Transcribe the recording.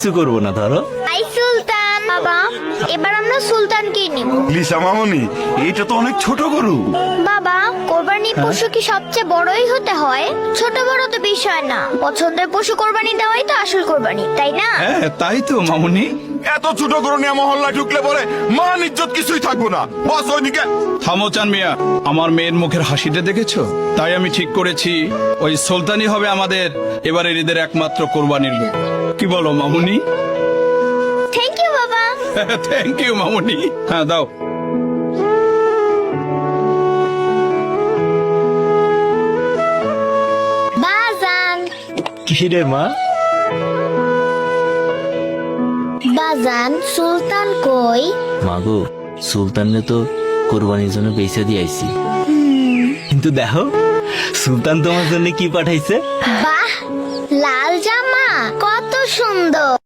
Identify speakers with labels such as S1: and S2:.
S1: কিচ্ছু করবো না ধরো।
S2: আই সুলতান বাবা, এবার আমরা সুলতানকে নিব।
S3: লিসা মামনি, এটা তো অনেক ছোট গরু।
S2: বাবা, কোরবানি পশু কি সবচেয়ে বড়ই হতে হয়? ছোট বড় তো বিষয় না, পছন্দের পশু কোরবানি দেওয়াই তো আসল কোরবানি, তাই না?
S4: হ্যাঁ তাই তো মামুনি।
S3: এত ছোট গরু নিয়ে মহল্লায় ঢুকলে পরে মান ইজ্জত কিছুই থাকবো না। বস ওইদিকে।
S4: থামো চান মিয়া, আমার মেয়ের মুখের হাসিটা দেখেছো? তাই আমি ঠিক করেছি ওই সুলতানই হবে আমাদের এবারের ঈদের একমাত্র কোরবানির লোক। কি বলো মামুনি?
S2: থ্যাংক ইউ বাবা।
S4: থ্যাংক ইউ মামুনি। হ্যাঁ দাও।
S2: বাজান
S1: কি রে মা?
S2: বাজান, সুলতান কই?
S1: মাগো, সুলতানরে তো কোরবানির জন্য পয়সা দিয়ে আইছি, কিন্তু দেখো সুলতান তোমার জন্য কি পাঠাইছে।
S2: বাহ, লাল জামা কত সুন্দর।